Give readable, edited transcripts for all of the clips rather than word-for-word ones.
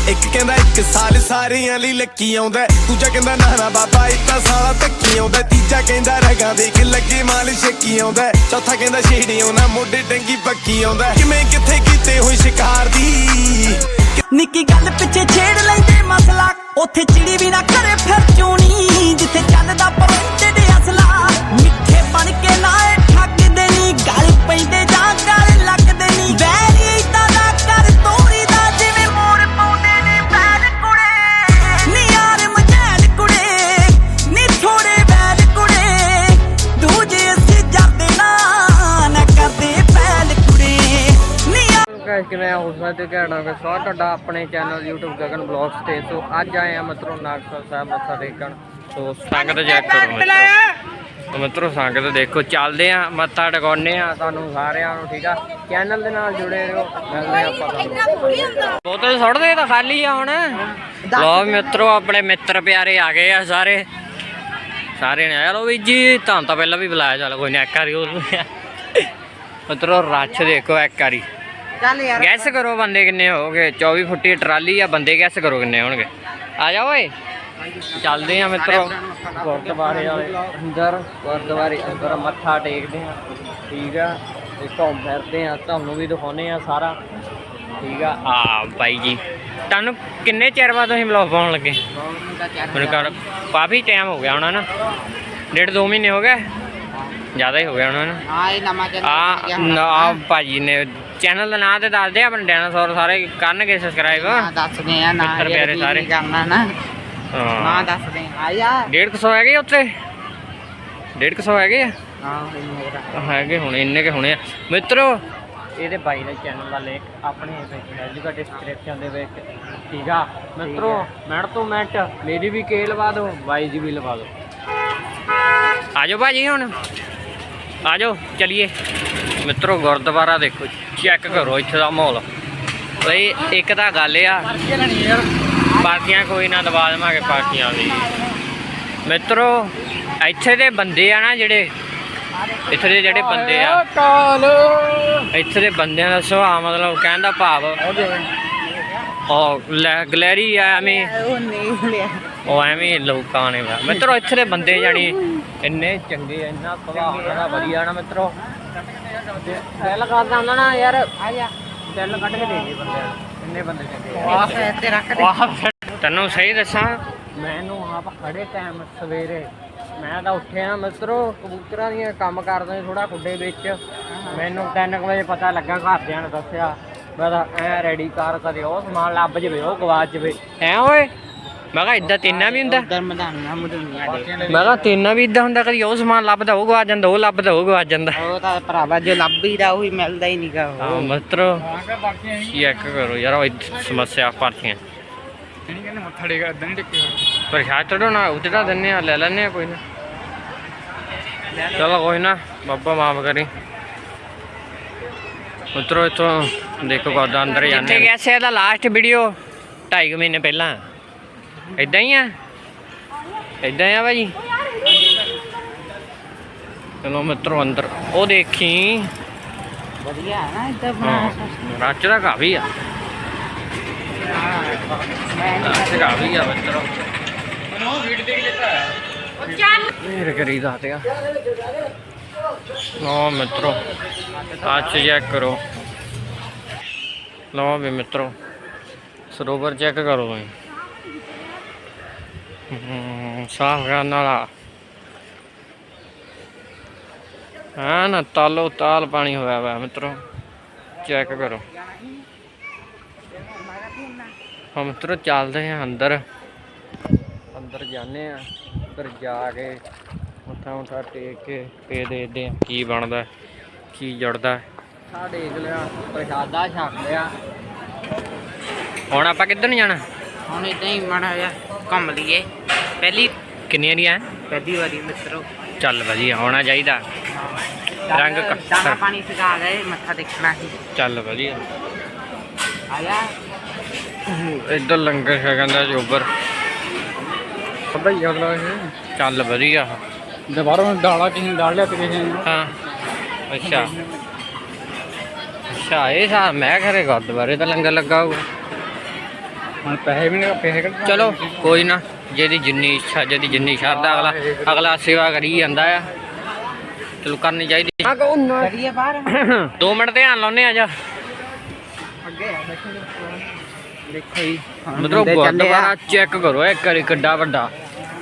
ਇੱਕ ਕਹਿੰਦਾ 1 ਸਾਲ ਸਾਰਿਆਂ ਲਈ ਲੱਕੀ ਆਉਂਦਾ, ਦੂਜਾ ਕਹਿੰਦਾ ਨਾ ਬਾਬਾ ਇਦਾਂ ਸਾਲਾ ਧੱਕੀ ਆਉਂਦਾ, ਤੀਜਾ ਕਹਿੰਦਾ ਰਗਾਂ ਦੇਖ ਲੱਗੇ ਮਾਲ ਛੱਕੀ ਆਉਂਦਾ, ਚੌਥਾ ਕਹਿੰਦਾ ਛੇੜਿਓ ਨਾ ਮੋਢੇ ਟੰਗੀ ਪੱਕੀ ਆਉਂਦਾ। ਕਿਵੇਂ ਕਿੱਥੇ ਕੀਤੇ ਹੋਏ ਸ਼ਿਕਾਰ ਦੀ ਨਿੱਕੀ ਗੱਲ ਪਿੱਛੇ ਛੇੜ ਲੈਂਦੇ ਮਸਲਾ, ਉੱਥੇ ਚਿੜੀ ਵੀ ਨਾ ਕਰੇ ਫਿਰ ਚੋਣੀ, ਜਿੱਥੇ ਚੱਲਦਾ ਪਰੋਂਟੇ ਦੇ ਅਸਲਾ, ਮਿੱਠੇ ਬਣ ਕੇ ਨਾ ਠੱਗਦੇ ਨੀ, ਗਲ ਪੈਂਦੇ ਜਾਂ ਗਲ ਲੱਗਦੇ ਨੀ, ਵੈਰੀ ਇਦਾਂ ਦਾ ਕਰ ਤੋਰੀ ਦਾ ਜਿਵੇਂ ਮੋਰ ਪਾਉਂਦੇ ਨੇ ਪੈਰ ਕੁੜੇ, ਨੀ ਯਾਰ ਮਝੈਲ ਕੁੜੇ, ਨੀ ਥੋੜੇ ਵੈਲ ਕੁੜੇ, ਦੂਜੇ ਅਸੀਂ ਜਰਦੇ ਨਾ ਕਰਦੇ ਪੈਲ ਕੁੜੇ, ਨੀ ਕਿਵੇਂ ਹੋ ਸਕਦੇ ਕਹਿਣਾ ਕਿ ਸਵਾਗਤ ਤੁਹਾਡਾ ਆਪਣੇ ਚੈਨਲ YouTube ਗਗਨ ਬਲੌਗਸ ਤੇ। ਸੋ ਅੱਜ ਆਏ ਆ ਮਿੱਤਰੋ ਨਾਗਸਰ ਸਾਹਿਬ ਮੱਥਾ ਟੇਕਣ। ਸੋ ਸੰਗਤ ਚੈੱਕ ਕਰੋ ਮਿੱਤਰੋ, ਸੰਗਤ ਦੇਖੋ, ਚੱਲਦੇ ਆ ਮੱਥਾ ਟਿਕਾਉਂਦੇ ਆ ਤੁਹਾਨੂੰ ਸਾਰਿਆਂ ਨੂੰ, ਠੀਕ ਆ। ਚੈਨਲ ਦੇ ਨਾਲ ਜੁੜੇ ਰਹੋ, ਮਿਲਦੇ ਆਪਾਂ ਤੁਹਾਨੂੰ। ਬੋਤਲ ਸੁੱਟਦੇ ਤਾਂ ਖਾਲੀ ਆ ਹੁਣ। ਲੋ ਮਿੱਤਰੋ, ਆਪਣੇ ਮਿੱਤਰ ਪਿਆਰੇ ਆ ਗਏ ਆ ਸਾਰੇ ਨੇ। ਚਲੋ ਵੀ ਜੀ, ਤੁਹਾਨੂੰ ਤਾਂ ਪਹਿਲਾਂ ਵੀ ਬੁਲਾਇਆ, ਚੱਲ ਕੋਈ ਨਹੀਂ, ਇੱਕ ਵਾਰੀ ਹੋਰ ਮਿੱਤਰੋ ਰਸ਼ ਦੇਖੋ ਇੱਕ ਵਾਰੀ। ਗੈਸ ਕਰੋ ਬੰਦੇ ਕਿੰਨੇ ਹੋ ਗਏ। 24 ਫੁੱਟੀ ਟਰਾਲੀ ਆ, ਬੰਦੇ ਗੈਸ ਕਰੋ ਕਿੰਨੇ ਹੋਣਗੇ। ਆ ਜਾਓ ਓਏ, ਚੱਲਦੇ ਆ ਮਿੱਤਰੋ ਗੁਰਦੁਆਰੇ ਵਾਲੇ ਅੰਦਰ, ਗੁਰਦੁਆਰੇ ਅੰਦਰ ਮੱਥਾ ਟੇਕਦੇ ਆ, ਠੀਕ ਆ। ਤੇ ਘੁੰਮ ਫਿਰਦੇ ਆ, ਤੁਹਾਨੂੰ ਵੀ ਦਿਖਾਉਂਦੇ ਆ ਸਾਰਾ, ਠੀਕ ਆ। ਆ ਬਾਈ ਜੀ, ਤੁਹਾਨੂੰ ਕਿੰਨੇ ਚਿਰ ਬਾਅਦ ਤੁਸੀਂ ਵਲੌਗ ਪਾਉਣ ਲੱਗੇ? ਮੈਨੂੰ ਕਰ ਕਾਫੀ ਟਾਈਮ ਹੋ ਗਿਆ ਹੋਣਾ ਨਾ, 1.5-2 ਮਹੀਨੇ ਹੋ ਗਏ, ਜ਼ਿਆਦਾ ਹੀ ਹੋ ਗਿਆ ਹੋਣਾ। ਆ ਭਾਜੀ ਨੇ ਚੈਨਲ ਦਾ ਨਾਂ ਤੇ ਦੱਸਦੇ, ਆਪਣੇ ਡਾਇਨਾਸੌਰ ਸਾਰੇ ਕਰਨਗੇ ਸਬਸਕ੍ਰਾਈਬ, ਦੱਸਦੇ ਆ ਨਾ ਪਿਆਰੇ ਸਾਰੇ ਕਰਨਾ ਨਾ। ਹਾਂ ਦੱਸਦੇ ਆ ਯਾਰ। 150 ਹੈਗੇ ਉੱਥੇ, 150 ਹੈਗੇ ਆ, ਹੈਗੇ ਹੁਣ ਇੰਨੇ ਕੇ ਹੋਣੇ ਆ ਮਿੱਤਰੋ। ਇਹਦੇ ਬਾਈ ਦਾ ਚੈਨਲ ਦਾ ਲਿੰਕ ਆਪਣੇ ਵਿੱਚ ਜੂਗਾ ਡਿਸਕ੍ਰਿਪਸ਼ਨ ਦੇ ਵਿੱਚ, ਠੀਕ ਆ ਮਿੱਤਰੋ। ਮਿੰਟ ਤੋਂ ਮਿੰਟ ਮੇਰੀ ਵੀ ਕੇ ਲਵਾ ਦਿਓ, ਬਾਈ ਦੀ ਵੀ ਲਵਾ ਦਿਓ। ਆ ਜਾਓ ਭਾਜੀ, ਹੁਣ ਆ ਜਾਓ, ਚਲੀਏ ਮਿੱਤਰੋ। ਗੁਰਦੁਆਰਾ ਦੇਖੋ, ਚੈੱਕ ਕਰੋ ਇੱਥੇ ਦਾ ਮਾਹੌਲ। ਬਈ ਇੱਕ ਤਾਂ ਗੱਲ ਆ, ਪਾਰਟੀਆਂ ਕੋਈ ਨਾ ਦਬਾ ਦੇਵਾਂਗੇ ਪਾਰਟੀਆਂ ਦੀ ਮਿੱਤਰੋ। ਇੱਥੇ ਦੇ ਬੰਦੇ ਆ ਨਾ ਜਿਹੜੇ, ਇੱਥੇ ਦੇ ਜਿਹੜੇ ਬੰਦੇ ਆ, ਇੱਥੇ ਦੇ ਬੰਦਿਆਂ ਦਾ ਸੁਭਾਅ, ਮਤਲਬ ਕਹਿਣ ਦਾ ਭਾਵ ਉਹ ਗਲੈਰੀ ਆ, ਐਵੇਂ ਉਹ ਐਵੇਂ ਲੋਕਾਂ ਨੇ ਮਿੱਤਰੋ। ਇੱਥੇ ਦੇ ਬੰਦੇ ਜਾਣੀ ਇੰਨੇ ਚੰਗੇ, ਇੰਨਾ ਸੁਭਾਅ ਉਹਨਾਂ ਦਾ ਵਧੀਆ ਨਾ ਮਿੱਤਰੋ। ਦਿਲ ਕਰਦਾ ਹੁੰਦਾ ਨਾ ਯਾਰ, ਦਿਲ ਕੱਢ ਕੇ ਦੇ ਦੇ ਬੰਦੇ, ਇੰਨੇ ਬੰਦੇ ਚੰਗੇ। ਤੈਨੂੰ ਸਹੀ ਦੱਸਾਂ, ਮੈਨੂੰ ਆਪ ਖੜੇ ਟਾਈਮ ਸਵੇਰੇ ਮੈਂ ਤਾਂ ਉੱਠਿਆ ਮਿੱਤਰੋ, ਕਬੂਤਰਾਂ ਦੀਆਂ ਕੰਮ ਕਰਦਾ ਥੋੜਾ ਖੁੱਡੇ ਵਿੱਚ। ਮੈਨੂੰ 3 ਵਜੇ ਪਤਾ ਲੱਗਾ, ਘਰਦਿਆਂ ਨੇ ਦੱਸਿਆ। ਮੈਂ ਤਾਂ ਐ ਰੈਡੀ ਕਰ, ਕਦੇ ਉਹ ਸਮਾਨ ਲੱਭ ਜਾਵੇ, ਉਹ ਗਵਾਚ ਜਾਵੇ। ਐ ਓਏ, ਮੈਂ ਕਿਹਾ ਇੱਦਾਂ ਤੇਨਾ ਵੀ ਹੁੰਦਾ, ਮੈਂ ਕਿਹਾ ਤੇਨਾ ਵੀ ਇੱਦਾਂ ਹੁੰਦਾ, ਕਦੀ ਉਹ ਸਮਾਨ ਲੱਭਦਾ ਉਹ ਗਵਾਚ ਜਾਂਦਾ, ਉਹ ਲੱਭਦਾ ਉਹ ਗਵਾਚ ਜਾਂਦਾ। ਉਹ ਤਾਂ ਭਰਾਵਾ ਜੋ ਲੱਭੀਦਾ ਉਹੀ ਮਿਲਦਾ ਹੀ ਨਹੀਂਗਾ। ਹਾਂ ਮਿੱਤਰੋ, ਚੈੱਕ ਕਰੋ ਯਾਰ, ਉਹ ਸਮੱਸਿਆ ਪਾਰਟੀਆਂ ਮੱਥਾ ਟੇਕ ਇਦਾਂ ਨਹੀਂ ਟੇਕੇ ਪ੍ਰਸ਼ਾਦ ਚੜੋ ਨਾ, ਉਤਰਾ ਦਿੰਦੇ ਆ, ਲੈ ਲੈਂਦੇ ਆ, ਕੋਈ ਨਾ। ਚਲੋ ਕੋਈ ਨਾ, ਬਾਬਾ ਮਾਫ ਕਰੀ ਮਿੱਤਰੋ। ਇੱਥੋਂ ਦੇਖੋ ਗੁਰਦਾ ਅੰਦਰ ਜਾਂਦੇ। ਕੈਸੇ ਇਹਦਾ ਲਾਸਟ ਵੀਡੀਓ 2.5 ਮਹੀਨੇ ਪਹਿਲਾਂ ਇੱਦਾਂ ਹੀ ਆ, ਇੱਦਾਂ ਆ ਭਾਜੀ। ਚਲੋ ਮਿੱਤਰੋ ਅੰਦਰ, ਉਹ ਦੇਖੀ ਵਧੀਆ ਨਾ ਇੱਦਾਂ ਰੱਚ ਦਾ ਕਾਫੀ ਆ, ਕਾਫੀ ਆ ਮਿੱਤਰੋ। ਫੇਰ ਕਰੀ ਦੱਸਦੇ ਆ। ਲਓ ਮਿੱਤਰੋ, ਅੱਜ ਚੈੱਕ ਕਰੋ। ਲਓ ਵੀ ਮਿੱਤਰੋ, ਸਰੋਵਰ ਚੈੱਕ ਕਰੋ ਤੁਸੀਂ, ਸਾਫ ਕਰਨ ਵਾਲਾ ਹੈ ਨਾ, ਤਾਲੋ ਤਾਲ ਪਾਣੀ ਹੋਇਆ ਵਾ ਮਿੱਤਰੋ, ਚੈੱਕ ਕਰੋ। ਹਾਂ ਮਿੱਤਰੋ, ਚੱਲਦੇ ਆ ਅੰਦਰ, ਅੰਦਰ ਜਾਂਦੇ ਆ, ਅੰਦਰ ਜਾ ਕੇ ਮੱਥਾ ਮੁੱਠਾ ਟੇਕ ਕੇ ਫੇਰ ਦੇਖਦੇ ਆ ਕੀ ਬਣਦਾ, ਕੀ ਜੁੜਦਾ। ਆ ਦੇਖ ਲਿਆ, ਪ੍ਰਸ਼ਾਦਾ ਛਕ ਲਿਆ। ਹੁਣ ਆਪਾਂ ਕਿੱਧਰ ਨੂੰ ਜਾਣਾ? ਹੁਣ ਏਦਾਂ ਹੀ ਮਾੜਾ ਜਿਹਾ ਘੁੰਮ ਲਈਏ। ਪਹਿਲੀ ਕਿੰਨੀਆਂ ਦੀਆਂ? ਪਹਿਲੀ ਵਾਰੀ ਮਿੱਤਰੋ। ਚੱਲ ਵਧੀਆ, ਹੋਣਾ ਚਾਹੀਦਾ। ਰੰਗ ਦਾਣਾ ਪਾਣੀ ਸਿਖਾ ਗਏ, ਮੱਥਾ ਦੇਖਣਾ ਸੀ। ਚੱਲ ਵਧੀਆ। ਆ ਜਾ ਇੱਧਰ ਲੰਗਰ ਛਕਣ ਦਾ ਜੋਬਰ ਚੱਲ ਵਧੀਆ। ਬਾਹਰੋਂ ਦਾਲਾ ਕਿਸੇ ਨੇ ਦਾਲ ਲਿਆ ਤੇ ਕਿਸੇ ਨੇ। ਹਾਂ ਅੱਛਾ ਅੱਛਾ, ਇਹ ਸਾਹ ਮੈਂ ਘਰੇ ਗੁਰਦੁਆਰੇ ਦਾ ਲੰਗਰ ਲੱਗਾ ਹੋਊਗਾ। ਹੁਣ ਪੈਸੇ ਵੀ ਨਹੀਂ ਪੈਸੇ ਕੱਢ ਚਲੋ ਕੋਈ ਨਾ, ਜਿਹਦੀ ਜਿੰਨੀ ਇੱਛਾ, ਜਿਹਦੀ ਜਿੰਨੀ ਸ਼ਰਧਾ, ਅਗਲਾ ਸੇਵਾ ਕਰੀ ਜਾਂਦਾ ਆ। ਚਲੋ ਕਰਨੀ ਚਾਹੀਦੀ। ਕਰੀਏ ਬਾਹਰ 2 ਮਿੰਟ ਧਿਆਨ ਲਾਉਨੇ ਆ ਜਾ। ਦੇਖੋ ਜੀ ਮਤਲਬ ਗੁਰਦੁਆਰਾ ਚੈੱਕ ਕਰੋ ਇੱਕ ਵਾਰੀ ਕਿੱਡਾ ਵੱਡਾ।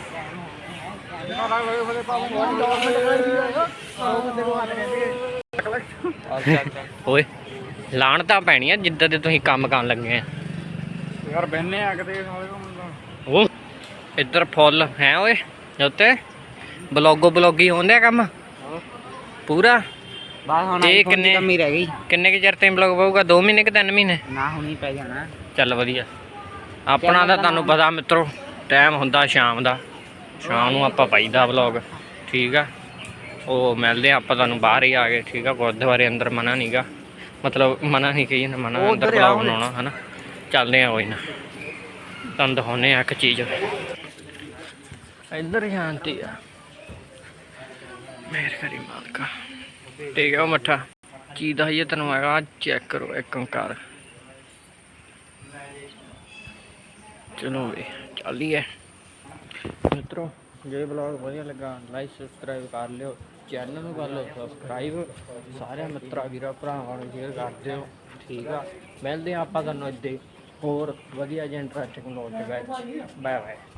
ਓਏ ਲਾਣ ਤਾਂ ਪੈਣੀ ਆ ਜਿੱਦਾਂ ਦੇ ਤੁਸੀਂ ਕੰਮ ਕਰਨ ਲੱਗੇ ਆ। ਯਾਰ ਬਹਿਨੇ ਆ ਕਿਤੇ ਉਹ ਇੱਧਰ ਫੁੱਲ ਹੈ ਓਏ ਉੱਤੇ ਬਲੌਗੀ ਹੁੰਦੇ ਕੰਮ ਪੂਰਾ। ਬਾਹਰ ਹੁਣ ਤੇ ਆਈਫੋਨ ਦੀ ਕਿੰਨੇ- ਕਮੀ ਰਹਿ ਗਈ ਕਿੰਨੇ ਕੁ ਚਿਰ ਤੇ ਬਲੌਗ ਪਾਊਗਾ? 2 ਮਹੀਨੇ ਕਿ 3 ਮਹੀਨੇ? ਨਾ ਹੁਣੀ ਪੈ ਜਾਣਾ। ਚੱਲ ਵਧੀਆ। ਆਪਣਾ ਤਾਂ ਤੁਹਾਨੂੰ ਪਤਾ ਮਿੱਤਰੋ ਟਾਈਮ ਹੁੰਦਾ ਸ਼ਾਮ ਦਾ, ਸ਼ਾਮ ਨੂੰ ਆਪਾਂ ਪਾਈਦਾ ਵਲੌਗ। ਠੀਕ ਆ, ਉਹ ਮਿਲਦੇ ਆ ਆਪਾਂ ਤੁਹਾਨੂੰ ਬਾਹਰ ਹੀ ਆ ਗਏ। ਠੀਕ ਆ, ਗੁਰਦੁਆਰੇ ਅੰਦਰ ਮਨਾ ਨਹੀਂਗਾ, ਮਤਲਬ ਮਨਾ ਨਹੀਂ ਕਹੀ ਨਾ, ਮਨਾ ਅੰਦਰ ਵਲੌਗ ਬਣਾਉਣਾ ਹੈ ਨਾ। ਚੱਲਦੇ ਆ ਕੋਈ ਨਾ, ਤੁਹਾਨੂੰ ਦਿਖਾਉਂਦੇ ਆ ਇੱਕ ਚੀਜ਼। ਇੱਧਰ ਸ਼ਾਂਤੀ ਆ, ਮਿਹਰ ਕਰੀ ਮਾਲਕਾ। ਠੀਕ ਆ, ਉਹ ਮੱਠਾ ਕੀ ਦੱਸੀਏ ਤੈਨੂੰ ਹੈਗਾ, ਚੈੱਕ ਕਰੋ ਇੱਕ ਓਂਕਾਰ। ਚਲੋ ਵੀ ਚੱਲੀਏ ਮਿੱਤਰੋ। ਜੇ ਵਲੌਗ ਵਧੀਆ ਲੱਗਾ ਲਾਈਕ ਸਬਸਕ੍ਰਾਈਬ ਕਰ ਲਿਓ, ਚੈਨਲ ਨੂੰ ਕਰ ਲਓ ਸਬਸਕ੍ਰਾਈਬ, ਸਾਰਿਆਂ ਮਿੱਤਰਾਂ ਵੀਰਾਂ ਭਰਾਵਾਂ ਨੂੰ ਸ਼ੇਅਰ ਕਰ ਦਿਓ। ਠੀਕ ਆ, ਮਿਲਦੇ ਆ ਆਪਾਂ ਤੁਹਾਨੂੰ ਇੱਦਾਂ ਹੋਰ ਵਧੀਆ ਜਿਹੇ ਇੰਟਰਸਟਿੰਗ ਵਲੌਗ ਦੇ ਵਿੱਚ। Bye bye.